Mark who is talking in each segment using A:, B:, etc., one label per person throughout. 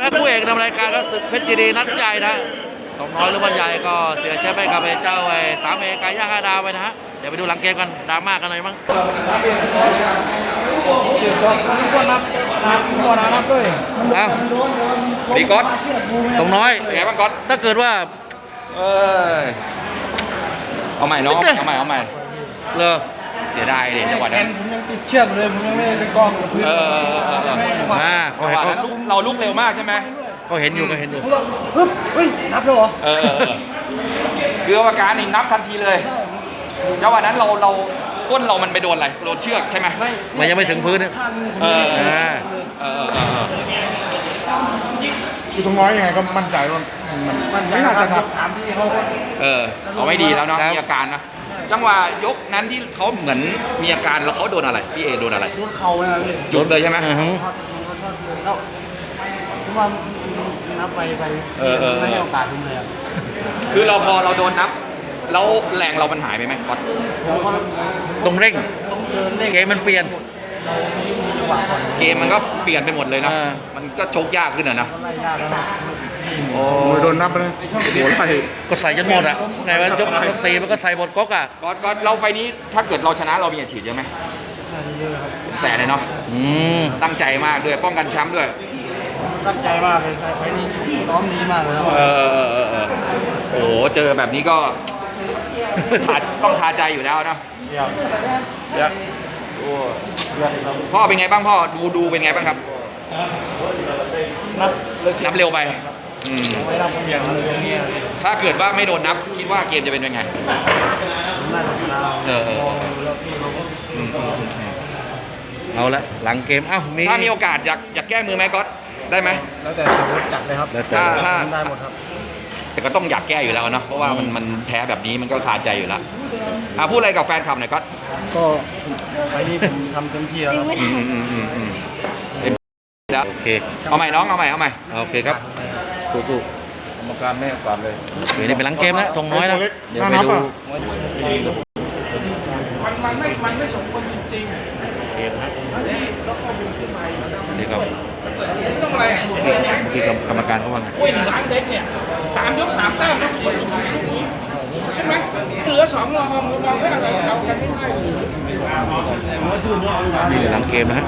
A: ครับผู้เอกนำรายการก็ศึกเพชรยินดีนัดใหญ่นะตกน้อยหรือวันใหญ่ก็เสียแชมป์ไปกับเจ้า3 เอกายา5 ดาวไปนะฮะเดี๋ยวไปดูหลังเกมกันดราม่ากันหน่อยมั้ง
B: ดีก๊อต
A: ตรงน้อย
B: เป็นไงบ้างก๊อต
A: ถ้าเกิดว่า
B: เอาใหม่น้องเอาใหม่
A: เลย
B: เสียดายดิจังหวะนั้น
C: ผมยังติดเชือกเลยผมยังไม่ได้กองกับพื้น
B: เราลุกเร็วมากใช่ไหม
A: ก็เห็นอยู่
C: ปึ๊บเฮ้ยนับแล้วเหรอ
B: คืออาการนี่นับทันทีเลยจังหวะนั้นเราก้นเรามันไปโดนอะไรโดนเชือกใช่ไหม
A: มันยังไม่ถึงพื้น
C: คือตรงน้อยยังไงก็มั่นใจว่ามันไม่น่าจะนับ3 ที่เขา
B: เอาไม่ดีแล้วเนาะมีอาการนะจังหวะยกนั้นที่เขาเหมือนมีอาการแล้วเขาโดนอะไรพี่เอโดนอะไร
C: โดนเข่าเลยพี่
B: จุดเลยใช่ไหม
C: แล้วผมว่านับไปไม่ให้โอกาสผมเลย
B: คือพอเราโดนนับแล้วแรงเรามันหายไปไหมก๊อต
A: ต้องเร่งเกมมันเปลี่ยน
B: เกมมันก็เปลี่ยนไปหมดเลยนะมันก็ชกยากขึ้นนะ
C: โอ้โดนนับเลยหัวไหล่
A: ก็ใส่จนหมดอ่ะไงว่ายก4มันก็ใส่หมดก๊อกอ่ะ
B: ก็เราไฟนี้ถ้าเกิดเราชนะเรามีอาชีพเยอะไหมแสนเลยเนาะตั้งใจมากด้วยป้องกันแชมป์ด้วย
C: ตั้งใจมากเลยไฟนี้ซ้อมดีมากเลย
B: โอ้เจอแบบนี้ก็ต้องทาใจอยู่แล้วเนาะพ่อเป็นไงบ้างพ่อดูเป็นไงบ้างครับนับเร็วไปถ้าเกิดว่าไม่โดนนับคิดว่าเกมจะเป็นยังไง
A: เอาละหลังเกม
B: ถ้ามีโอกาสอยากแก้มือไหมก๊อตได้ไหม
C: แล้วแต่สมมติจัดเลยครับ
B: ถ้า
C: ได้หมดครับ
B: แต่ก็ต้องอยากแก้อยู่แล้วเนาะเพราะว่ามันแพ้แบบนี้มันก็คาใจอยู่แล้วพูดอะไรกับแฟนคลับหน่อย
C: ก็ไฟนี้ผมทำเต็มที่แล้ว
B: ครับโอเคเอาใหม่น้องเอาใหม่
A: โอเคครับสู้
C: กรรมการไม่ก่อนเลย
A: นี่เป็นหลังเกมแล้วทงน้อยนะเดี๋ยวไปดู
C: มันไม่สมควรจริง
A: เกมนะ
C: แล้วก็มีขึ้นมา
A: นี่ครับ
C: ต้องอะไร
A: คือกรรมการเขาว่าไง
C: หลังเด็กเนี่ย3 ยก 3 แต้มต้องอยู่ทางนี้ใช่ไหมเหลือ2 รองเพื่ออะไรเอากันไม่ได้
A: นี่เป็นหลังเกมนะฮะ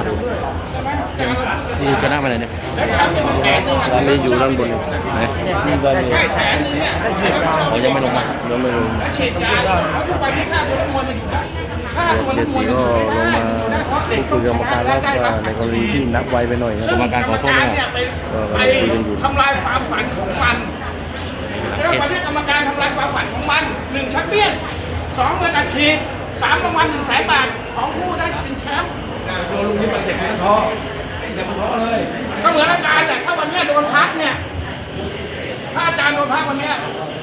A: นี่ชนะมาเลยเนี่ย
C: แล้วแชมป์เนี่ยมัน100,000
A: เราไม่อยู่ด้านบน
C: ใช่100,000เนี่ย
A: ยังไม่ลงมา
C: แล้วฉีดยาเขาทุกวันที่ค่าตัวนักมวยมันอยู่ได้ค่าตัวนักมวยมันอยู่ได้เพราะเด็กต้องชนะได้ครับ
A: ในกรณีที่นับไวไปหน่อยกรรมการขอโทษ
C: เนี่ยไปทำลายความฝันของมันใช่ไหมวันนี้กรรมการทำลายความฝันของมัน1 แชมเปี้ยน 2 เงินอัดฉีด 3 รางวัล100,000 บาทของผู้ได้เป็นแชมป์โดนลุงนี่มันเด็กมันท้อเลยก็เหมือนอาจารย์ถ้าวันนี้โดนพักเนี่ยถ้าอาจารย์โดนพักวันนี้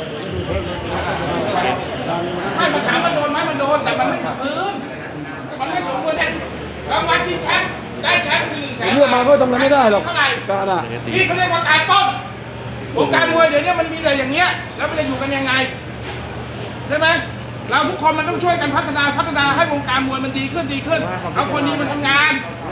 C: ไม่มาถามมันโดนไหมมันโดนแต่มันไม่ถึงพื้นมันไม่สมควรเนี่ยรางวัลที่แชมป์ได้แชมป์คือ100,000
D: เลือกมาก็ทำอะไรไม่ได้หรอก
C: เท่าไหร่
D: นี่
C: เขาเรียกว่าการต้นวงการมวยเดี๋ยวนี้มันมีอะไรอย่างเงี้ยแล้วมันจะอยู่กันยังไงใช่ไหมเราทุกคนมันต้องช่วยกันพัฒนาให้วงการมวยมันดีขึ้นเอาคนนี้มาทำงาน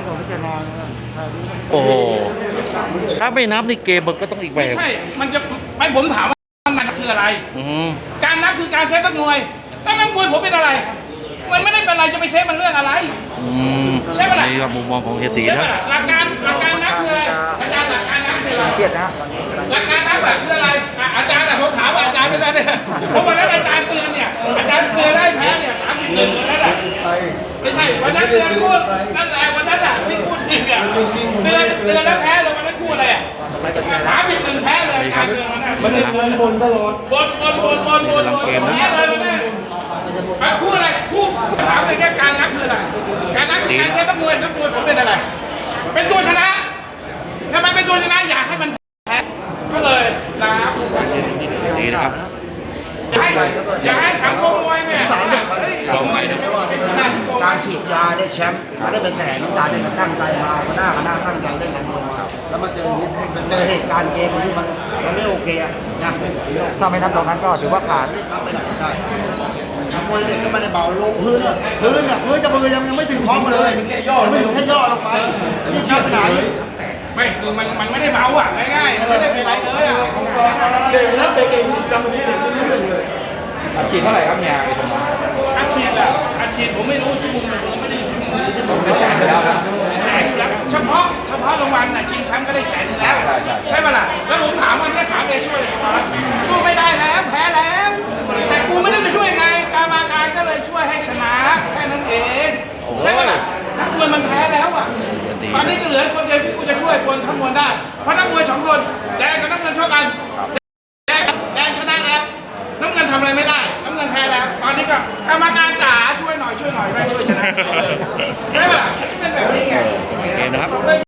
A: โอ้โหถ้าไม่นับนี่เกมมันก็ต้องอีกแบบ
C: ไม่ใช่มันจะไม่ผมถามว่ามันคืออะไรการนับคือการเซฟนักมวยแล้วนักมวยผมเป็นอะไรมันไม่ได้เป็นอะไรจะไปเซฟมันเรื่องอะไรใช่ไหมล่ะ
A: นี่ก็มุมมองของเฮตีนะ
C: หลักการนับคืออะไรอาจารย์หลักการนับคืออะไรเกียรตินะหลักการนับแบบคืออะไรอาจารย์ผมถามว่าอาจารย์เป็นอะไรเนี่ยเพราะวันนั้นอาจารย์เตือนเนี่ยอาจารย์เตือนได้แพ้เนี่ย31นั่นแหละไม่ใช่วันนั้นเตือนพูดนั่นแหละวันนั้นที่พูดจริงอ่ะเตือนแล้วแพ้เลยวันนั้นพูดอะไรอ่ะ31แพ้เลยอาจารย์เตือนมัน
D: ได้บนตลอด
C: บนแพ้เลยวันนั้นคู่อะไรคู่ถามเลยแค่การนับคืออะไรการนับคือการเซฟนักมวยผมเป็นอะไรเป็นตัวชนะทำไมเป็นตัวชนะอยากให้มันแพ้ก็เลยนับ
A: ดีนะครับ
C: อยากให้สังคมมวยเนี่ย
D: การฉีดยาได้แชมป์ได้เป็นแต่น้ำตาได้ตั้งใจมาหน้าตั้งใจได้กันแล้วมาเจอเหตุการณ์เกมที่มันไม่โอเคนะถ้าไม่นับตรงนั้นก็ถือว่าขาดใช่มวยเด็กก็ไม่ได้เบาลงพื้นจะมือยังไม่ถึงพร้อมเลยไม่ถึงแค่ย่อลงไปนี่ช้าไปไหน
C: ไม่คือมันไม่ได้เมาอ่ะง่ายๆมันไม่ได้เป็นไรเลยอ่ะ
E: เด็กนะเด็กเองจำตรงนี้เด็กไม่รู้เรื่องเลย
B: อาชีพเท่าไหร่ครับเนี่ยไอ้ตรงนั้น
C: อาชีพอ่ะอาชีพผมไม่รู้ที่มุมผมไม่ได้อยู่ที่มุม
B: ผมเป็นแสนไปแล้วครับ
C: แสนอยู่แล้วเฉพาะรางวัลน่ะชิงแชมป์ก็ได้แสนอยู่แล้ว ใช่ป่ะล่ะแล้วผมถามว่าเนี่ย3Aช่วยอะไรบ้างสู้ไม่ได้แล้วแพ้แล้วแต่กูไม่รู้จะช่วยไงการมาการก็เลยช่วยให้ชนะแค่นั้นเองใช่ป่ะล่ะนักมวยมันแพ้แล้วอ่ะตอนนี้ก็เหลือคนเดียวที่กูจะช่วยคนทั้งมวลได้เพราะนักมวย2คนแดงกับน้ำเงินช่วยกันแดงชนะแล้วน้ำเงินทำอะไรไม่ได้น้ำเงินแพ้แล้วตอนนี้ก็กรรมการจ๋าช่วยหน่อยไม่ช่วยชนะได้ป่ะล่ะที่เป็นแบบนี้ไง
A: เกมนะครับ